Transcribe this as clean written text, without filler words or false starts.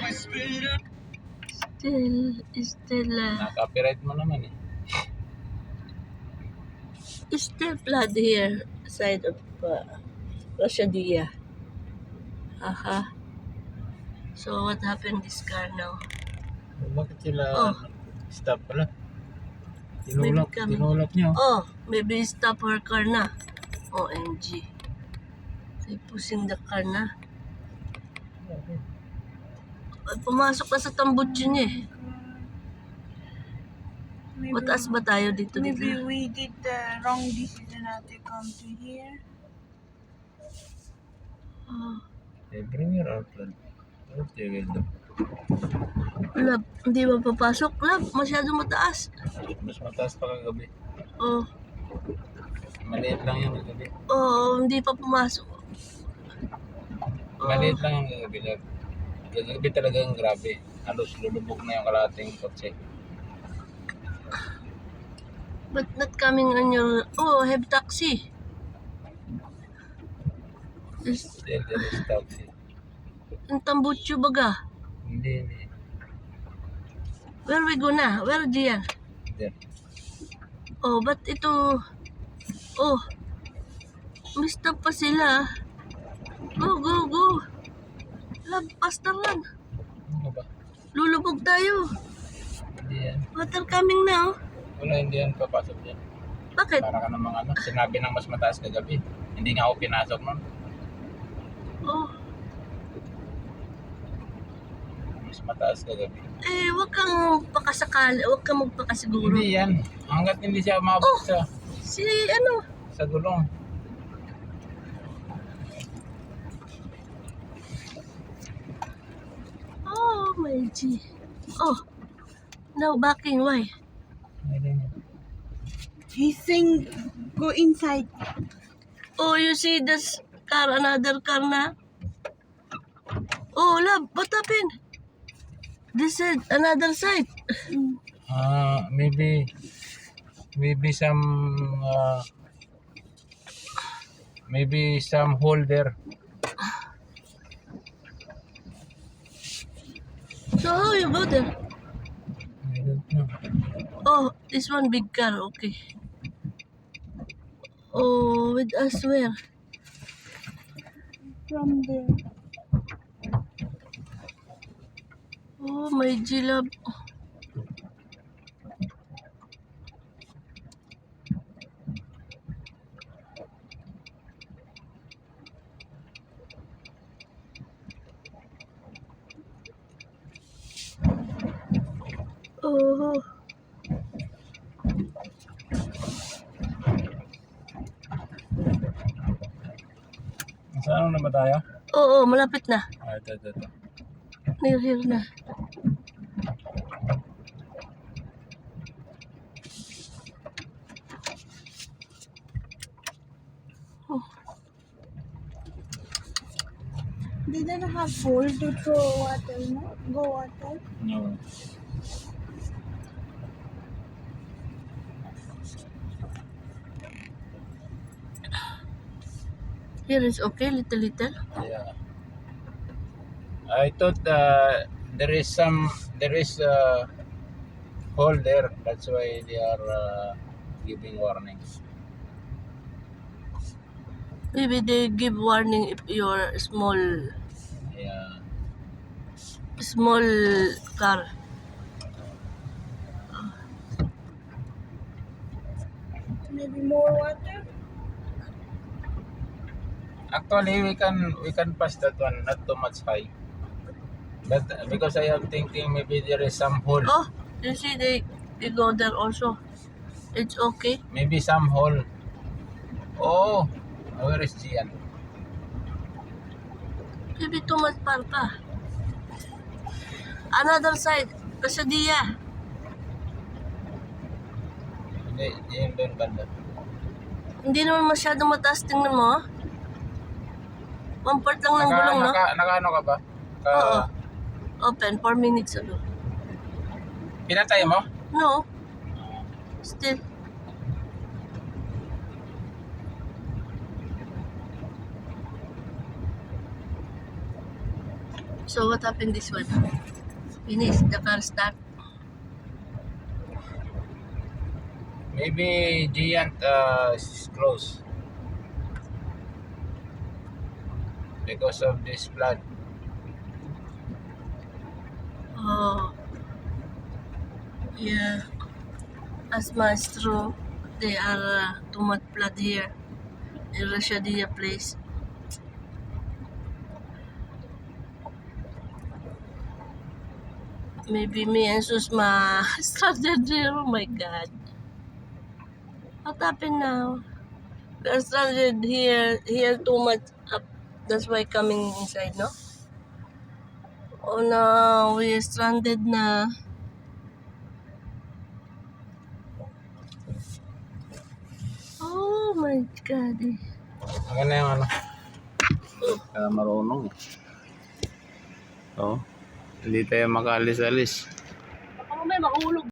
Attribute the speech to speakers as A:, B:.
A: Still,
B: Na-copyright mo naman eh.
A: still flood here, side of Rashadia. Aha. So what happened this car now?
B: Bakit sila
A: Oh.
B: stop pala?
A: Maybe coming.
B: Tinulak niyo.
A: Oh, maybe stop her car na. OMG. They pushing the car na. Ay, pumasok na sa tambutso niya eh. Mataas ba tayo dito?
C: Maybe we did the wrong decision not to come to here.
A: Oh.
B: Bring your outlet. What you will do?
A: Lab, hindi ba papasok? Lab, masyado mataas.
B: Mas mataas pa kagabi.
A: Oh,
B: Maliit lang yung kagabi.
A: oh, hindi pa pumasok. Oh,
B: Maliit lang yung kagabi. Kagabi talagang grabe. Halos lulubog na yung kalating kotse.
A: but not coming on your... Oh, I have taxi.
B: Still there is taxi.
A: Yung tambutso baga.
B: Hindi.
A: Where we go na? Where diyan?
B: There.
A: Oh, but ito... Oh, may stop pa sila. Go, go, go. Lab, faster run.
B: Ano ba?
A: Lulubog tayo.
B: Hindi yan.
A: Water coming na, oh.
B: Wala, hindi yan papasok yan.
A: Bakit?
B: Para ka namang sinabi ng mas mataas kagabi. Hindi nga ako pinasok nun.
A: Oh,
B: Mas mataas kagabi.
A: eh, wag kang pakasakali. Wag kang magpakasiguro.
B: Hindi yan. Hanggat hindi siya umabot
A: Oh!
B: sa
A: Ano?
B: gulong.
A: Oh, my G. Oh, now backing. Why?
C: He's saying go inside.
A: Oh, you see this car, another car na? Oh, love, what happened? This is another side.
B: Maybe some hole there.
A: So how you go there?
B: I don't know.
A: Oh, this one big car, okay. Oh, with us where?
C: From there.
A: Oh, my G love. Oh,
B: Saan na ba tayo?
A: oo, malapit na.
B: Ito.
A: Near here na. Oh,
C: They don't have hole to throw water, no? Go water.
B: No.
A: here is okay, little.
B: Yeah. I thought there is a hole there. That's why they are giving warnings.
A: Maybe they give warning if you're
B: Yeah.
A: small car.
C: Maybe more water.
B: Actually, we can pass that one, not too much high. But because I am thinking maybe there is some hole.
A: Oh, you see they go there also. It's okay.
B: Maybe some hole. Oh, where is Gian?
A: Maybe too much par pa. Another side, Kasadia.
B: Hindi, yun doon banda.
A: Hindi naman masyadong mataas, tingnan mo. One part lang ng gulong, no?
B: Naka-ano ka ba?
A: Oo. Open, 4 minutes ago.
B: Pinatay mo?
A: No. Still. So what happened this one? Finish the car start.
B: Maybe Giant is closed because of this flood.
A: Oh, yeah. As Maestro, they are too much flood here in Rashadia place. Maybe me and Susma stranded there. Oh my God. What happened now? We are stranded here. Here too much up. That's why coming inside, no? Oh no, we are stranded na. Oh my God.
B: Ang na yung ano? Marunong. Oh, hindi tayo makaalis-alis.
A: Baka mamaya mahulog.